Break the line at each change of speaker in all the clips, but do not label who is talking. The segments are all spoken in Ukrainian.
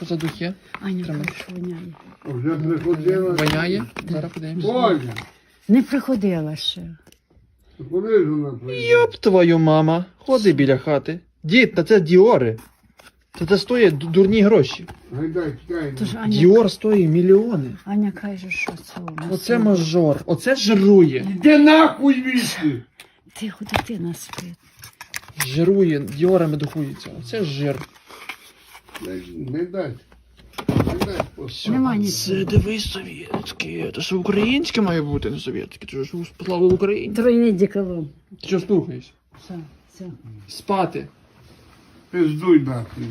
що за духи?
Аня,
Тримай.
каже, воняє.
Вже приходила.
Воняє? Зараз подивимося.
Оля,
Не приходила ще.
куди ж вона приїхала?
Йоп твою мама. Ходи біля хати. Дід, та це Діори. Це стоїть дурні гроші.
Гайдай, чекай.
Тож Аня,
Діор стоїть мільйони.
Аня каже, що це у нас.
Оце мажор. Оце жирує.
Де нахуй вісти?
Тихо, дитина спить.
Жирує, діорами духується. Оце жир.
Не дай. Не дай.
Все.
Нема
Це
нічого.
дивись совєтське. Це ж українське має бути, не совєтське. Це ж слава Україні.
Тройний деколон.
Ти що слухаєш?
Все, все.
Спати.
Пиздуй нахуй.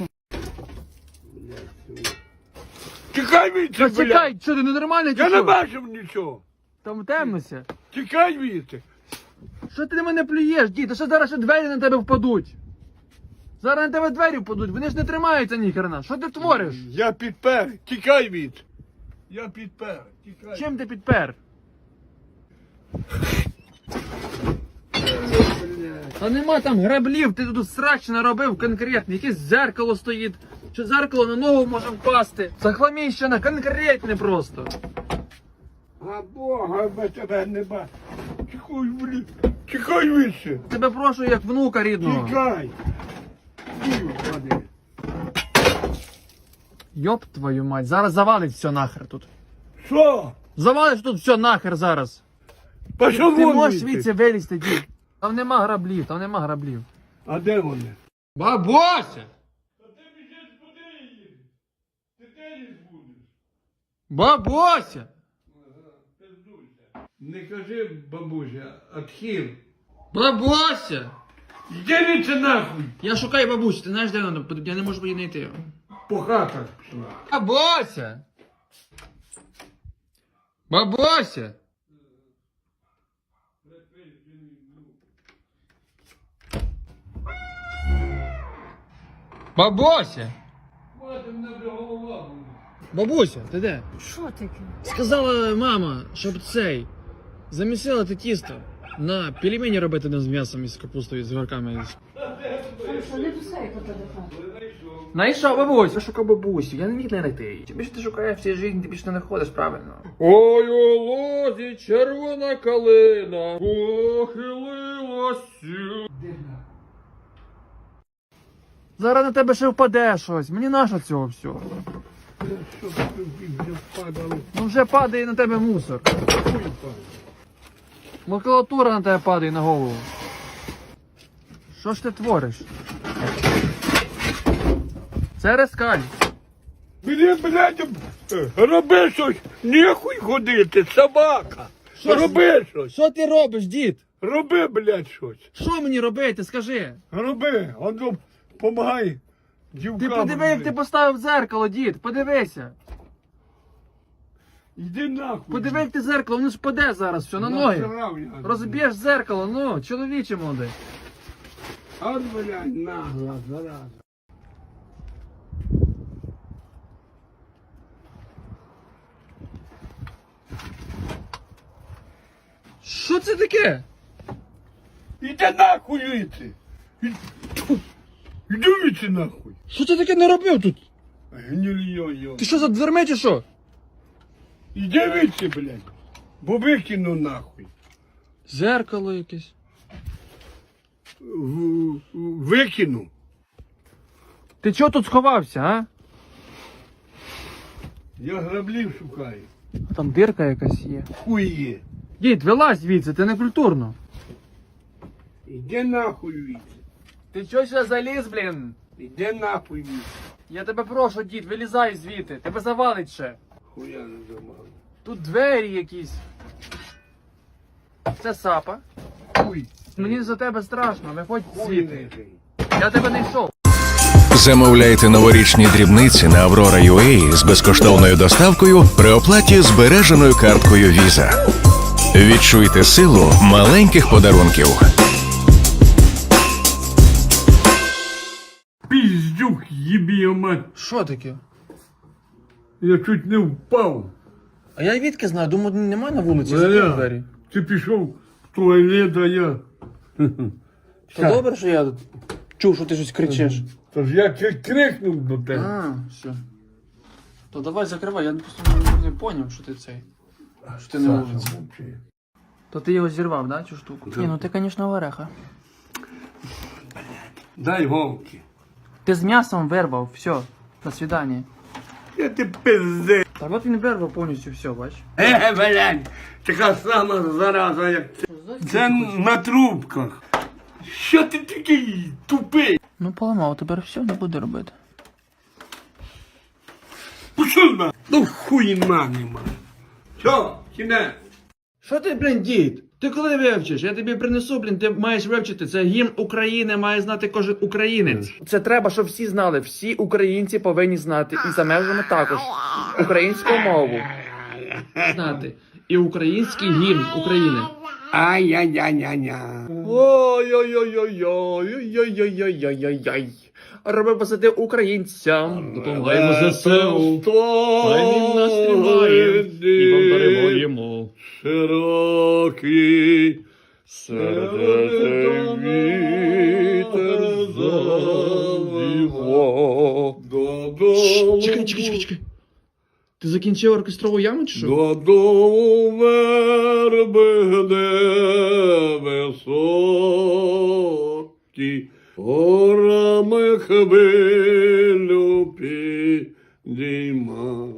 Тікай віце, блядь.
Чекай, що ти ненормальний чи
Я не
що?
бачив нічого.
Там темнося.
Тікай віце.
Що ти на мене плюєш, дід? А що зараз ще двері на тебе впадуть? Зараз на тебе двері впадуть, вони ж не тримаються ніхрена. Що ти твориш?
Я підпер. Тікай віце. Я підпер. Тікай.
Чим ти підпер? Та нема там граблів, ти тут срач наробив конкретно. Якесь зеркало стоїть. Що зеркало на ногу може впасти. Захламіщена, конкретне просто.
А Бога би тебе не бачив. Тікай, блядь. Тікай віце.
Тебе прошу як внука рідного.
Тікай. Господи.
Йоп твою мать, зараз завалить все нахер тут.
Що?
Завалиш тут все нахер зараз.
Пішов
Ти
вон
можеш
звідси.
звідси вилізти, дід. Там нема граблів, там нема граблів.
А де вони?
Бабуся! Бабуся!
Не кажи, бабуся, отхил.
Бабуся!
Йди віце нахуй.
Я шукаю бабусю, ти знаєш, де вона? Я не можу її знайти.
По хатах пішла.
Бабуся! Бабуся! Бабуся!
Мати, мене вже голова буде.
Бабуся, ти де?
Що таке?
Сказала мама, щоб цей замісила ти тісто на пельмені робити не з м'ясом і з капустою, з горками.
Хорошо, не писай кота до хати.
Найшов бабусь, я шукав бабусю, я не міг знайти. Чим більше ти шукаєш в цій житті, ти більше не знаходиш, правильно? Ой, у лозі червона калина похилилася. Зараз на тебе ще впаде щось, мені нащо цього всього?
Що тобі вже впадало?
Ну вже падає на тебе мусор. Макулатура на тебе падає на голову. Що ж ти твориш? Це рескаль.
Мені, блядь, роби щось, нехуй ходити, собака.
Що ж-
Роби щось,
Що ти робиш, дід?
роби, блядь, щось.
Що мені робити, скажи?
Роби, он помагай дівкам.
Ти подиви, як ти поставив дзеркало, дід, подивися.
Йди нахуй.
Подиви, як ти зеркало, воно ж паде зараз все на ноги.
Насрав я.
Розб'єш зеркало, ну, чоловіче молодий.
От, блядь, нагла, зараза.
Що це таке?
Іди нахуй віці. Іди віці нахуй.
Що ти таке не робив тут?
Гнильйо-йо.
Ти що за дверми чи що?
Іди віці, блядь. Бо викину нахуй.
Зеркало якесь.
Викину.
Ти чого тут сховався, а?
Я граблів шукаю.
Там дирка якась є.
Хуй є.
Дід, вилазь звідси, ти не культурно.
Іди нахуй віці.
Ти чого ще заліз, блін?
Іди нахуй віці.
Я тебе прошу, дід, вилізай звідти, тебе завалить ще.
Хуя не замав.
Тут двері якісь. Це сапа.
Хуй.
Мені за тебе страшно, виходь
Хуй
звідти.
не жий.
Я тебе не йшов.
Замовляйте новорічні дрібниці на Aurora.ua з безкоштовною доставкою при оплаті збереженою карткою Visa. Відчуйте силу маленьких подарунків.
Піздюк, їбі його мать.
Що таке?
Я чуть не впав.
А я відки знаю, думаю, немає на вулиці,
Валя,
закрив двері.
Ти пішов в туалет, а я...
То добре, що я тут чув, що ти щось кричиш.
Тож я чуть крикнув до тебе.
А, все. То давай закривай, я просто не поняв, що ти цей. Що ти не
Саша,
вулиці.
мовчи.
То ти його зірвав, да, цю штуку? Ні, ну ти, звісно, вареха.
Дай голки.
Ти з м'ясом вирвав, все, до свидання.
Я ти пизди.
Так от він вирвав повністю все, бач.
Блядь, така сама зараза, як це. Це на трубках. Що ти такий тупий?
Ну поламав, тепер все не буде робити.
Пішов на. Ну хуйна нема. Що, кінець?
Що ти, блін, дід? Ти коли вивчиш? Я тобі принесу, блін, ти маєш вивчити. Це гімн України, має знати кожен українець. Це треба, щоб всі знали. Всі українці повинні знати. І за межами також. Українську мову. Знати. І український гімн України.
Ай-яй-яй-яй-яй.
Ой-ой-ой-ой-ой-ой-ой-ой-ой-ой-ой. Роби посади українцям. Допомагаємо ЗСУ. Хай він нас тримає. І вам даруємо.
Широкий
Сердце вітер завіво.
додому.
Чекай. Ти закінчив оркестрову яму чи що?
Додому верби де високі, горами хвилю підійма.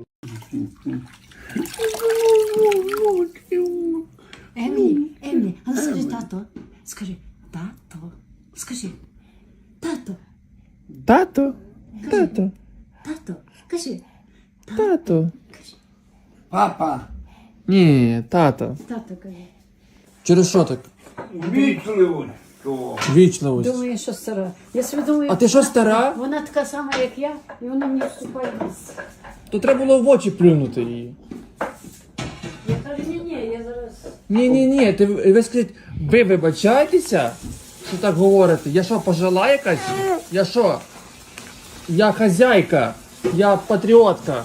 Емі, а ну скажи тато. Скажи, тато. Скажи, тато,
Тато.
тато. Кажи,
Тато.
Папа,
Ні, тато.
тато кажи.
Через що так?
вічливо.
Вічливость.
Думаю, що стара. Я собі думаю,
А ти що, стара?
вона така сама, як я, і вона мені вступає в ліс.
То треба було в очі плюнути її.
Я кажу, ні, я зараз...
Ні, ви скажіть, ви вибачаєтеся, що так говорите? Я що, пожила якась? Я що? Я хазяйка, я патріотка.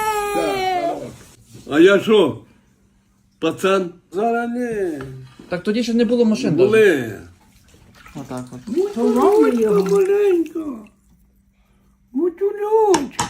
А я що? Пацан? Зараз не.
Так тоді ще не було машин. даже.
Були.
Отак от.
Маленько. Бутюльочка.